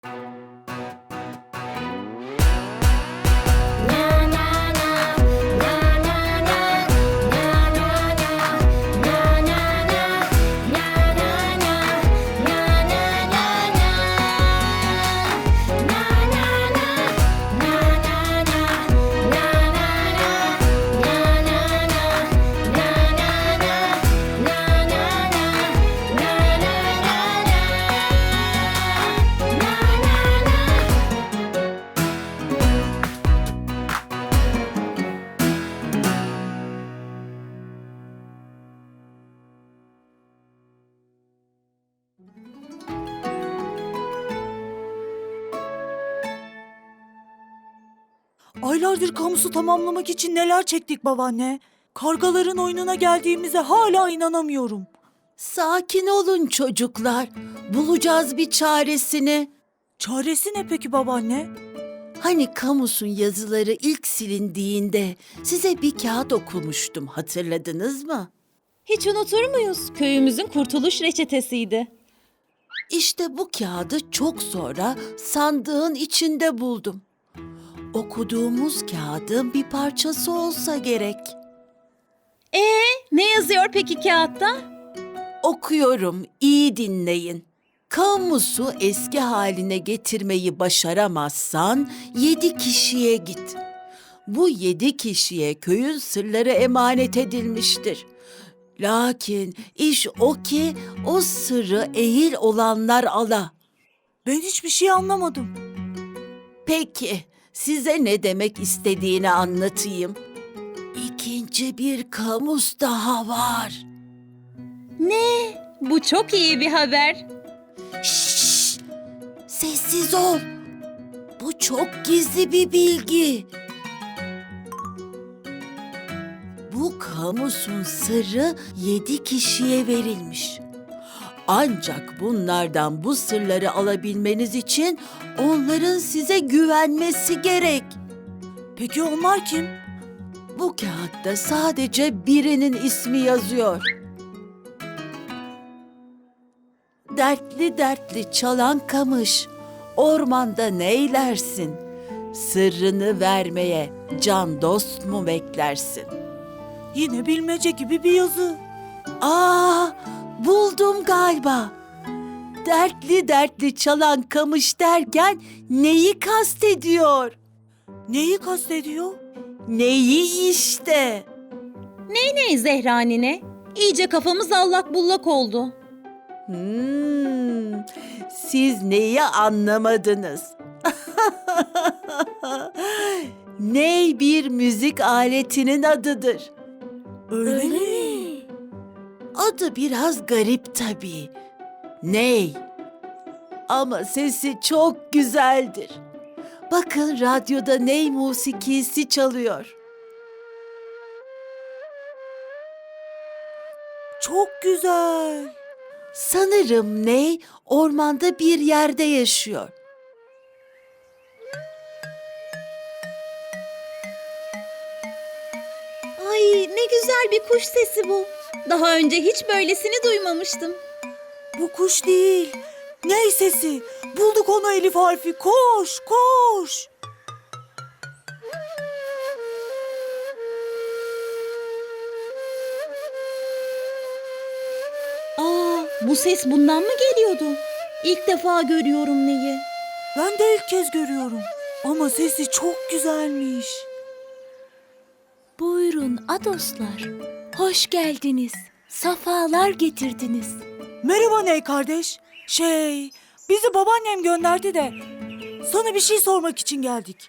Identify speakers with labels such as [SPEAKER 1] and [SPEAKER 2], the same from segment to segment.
[SPEAKER 1] Aylardır kamusu tamamlamak için neler çektik babaanne. Kargaların oyununa geldiğimize hala inanamıyorum.
[SPEAKER 2] Sakin olun çocuklar. Bulacağız bir çaresini.
[SPEAKER 1] Çaresi ne peki babaanne?
[SPEAKER 2] Hani kamusun yazıları ilk silindiğinde size bir kağıt okumuştum, hatırladınız mı?
[SPEAKER 3] Hiç unutur muyuz? Köyümüzün kurtuluş reçetesiydi.
[SPEAKER 2] İşte bu kağıdı çok sonra sandığın içinde buldum. Okuduğumuz kağıdın bir parçası olsa gerek.
[SPEAKER 3] Ne yazıyor peki kağıtta?
[SPEAKER 2] Okuyorum, iyi dinleyin. Kamusu eski haline getirmeyi başaramazsan 7 kişiye git. Bu 7 kişiye köyün sırları emanet edilmiştir. Lakin iş o ki o sırrı ehil olanlar ala.
[SPEAKER 1] Ben hiçbir şey anlamadım.
[SPEAKER 2] Peki, size ne demek istediğini anlatayım. İkinci bir kamus daha var.
[SPEAKER 3] Bu çok iyi bir haber.
[SPEAKER 2] Şşş! Sessiz ol. Bu çok gizli bir bilgi. Bu kamusun sırrı 7 kişiye verilmiş. Ancak bunlardan bu sırları alabilmeniz için onların size güvenmesi gerek.
[SPEAKER 1] Peki onlar kim?
[SPEAKER 2] Bu kağıtta sadece birinin ismi yazıyor. Dertli dertli çalan kamış, ormanda neylersin? Sırrını vermeye can dost mu beklersin?
[SPEAKER 1] Yine bilmece gibi bir yazı.
[SPEAKER 2] Buldum galiba. Dertli dertli çalan kamış derken neyi kastediyor?
[SPEAKER 1] Neyi kastediyor?
[SPEAKER 2] Neyi işte?
[SPEAKER 3] Ne Zehra nine? İyice kafamız allak bullak oldu.
[SPEAKER 2] Siz neyi anlamadınız? Ney bir müzik aletinin adıdır.
[SPEAKER 1] Öyle mi?
[SPEAKER 2] Adı biraz garip tabii. Ney? Ama sesi çok güzeldir. Bakın radyoda ney musikisi çalıyor.
[SPEAKER 1] Çok güzel.
[SPEAKER 2] Sanırım ney ormanda bir yerde yaşıyor.
[SPEAKER 3] Ay ne güzel bir kuş sesi bu. Daha önce hiç böylesini duymamıştım.
[SPEAKER 1] Bu kuş değil. Ney sesi? Bulduk onu Elif harfi. Koş, koş.
[SPEAKER 3] Bu ses bundan mı geliyordu? İlk defa görüyorum neyi.
[SPEAKER 1] Ben de ilk kez görüyorum. Ama sesi çok güzelmiş.
[SPEAKER 4] Buyurun adoslar, hoş geldiniz, safalar getirdiniz.
[SPEAKER 1] Merhaba Ney kardeş. Bizi babaannem gönderdi de sana bir şey sormak için geldik.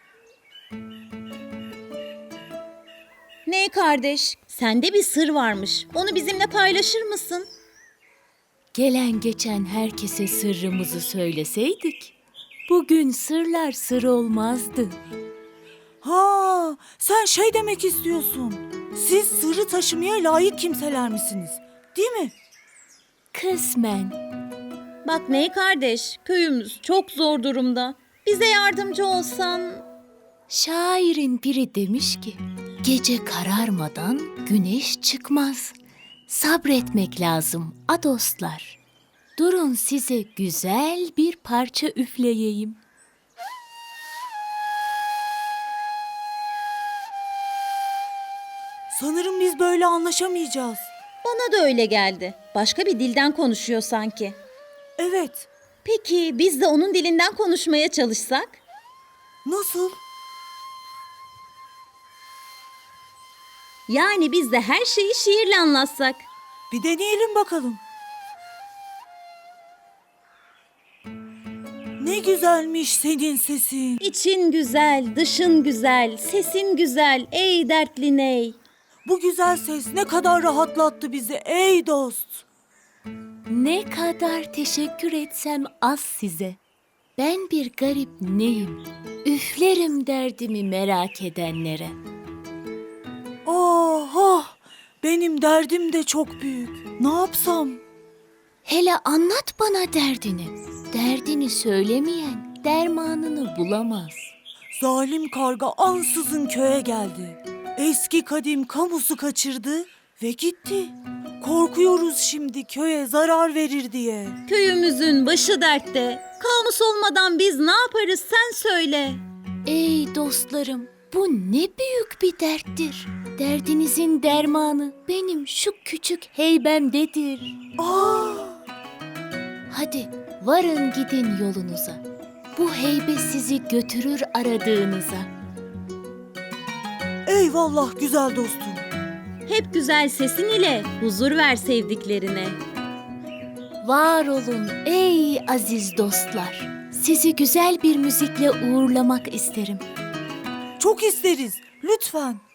[SPEAKER 3] Ne kardeş? Sende bir sır varmış. Onu bizimle paylaşır mısın?
[SPEAKER 4] Gelen geçen herkese sırrımızı söyleseydik, bugün sırlar sır olmazdı.
[SPEAKER 1] Ha, sen demek istiyorsun. Siz sırrı taşımaya layık kimseler misiniz? Değil mi?
[SPEAKER 4] Kısmen.
[SPEAKER 3] Bak Ney kardeş, köyümüz çok zor durumda. Bize yardımcı olsan...
[SPEAKER 4] Şairin biri demiş ki, gece kararmadan güneş çıkmaz. Sabretmek lazım adoslar. Durun size güzel bir parça üfleyeyim.
[SPEAKER 1] Sanırım biz böyle anlaşamayacağız.
[SPEAKER 3] Bana da öyle geldi. Başka bir dilden konuşuyor sanki.
[SPEAKER 1] Evet.
[SPEAKER 3] Peki biz de onun dilinden konuşmaya çalışsak?
[SPEAKER 1] Nasıl?
[SPEAKER 3] Yani biz de her şeyi şiirle anlatsak.
[SPEAKER 1] Bir deneyelim bakalım. Ne güzelmiş senin sesin.
[SPEAKER 3] İçin güzel, dışın güzel, sesin güzel, ey dertli ney.
[SPEAKER 1] Bu güzel ses ne kadar rahatlattı bizi ey dost.
[SPEAKER 4] Ne kadar teşekkür etsem az size. Ben bir garip neyim? Üflerim derdimi merak edenlere.
[SPEAKER 1] Oh, oh, benim derdim de çok büyük. Ne yapsam?
[SPEAKER 4] Hele anlat bana derdini. Derdini söylemeyen dermanını bulamaz.
[SPEAKER 1] Zalim karga ansızın köye geldi. Eski kadim kamusu kaçırdı ve gitti. Korkuyoruz şimdi köye zarar verir diye.
[SPEAKER 3] Köyümüzün başı dertte. Kamus olmadan biz ne yaparız sen söyle.
[SPEAKER 4] Ey dostlarım, bu ne büyük bir derttir. Derdinizin dermanı benim şu küçük heybemdedir.
[SPEAKER 1] Aa,
[SPEAKER 4] Hadi varın gidin yolunuza. Bu heybe sizi götürür aradığınıza.
[SPEAKER 1] eyvallah güzel dostum.
[SPEAKER 3] Hep güzel sesin ile huzur ver sevdiklerine.
[SPEAKER 4] Var olun ey aziz dostlar. Sizi güzel bir müzikle uğurlamak isterim.
[SPEAKER 1] Çok isteriz. Lütfen.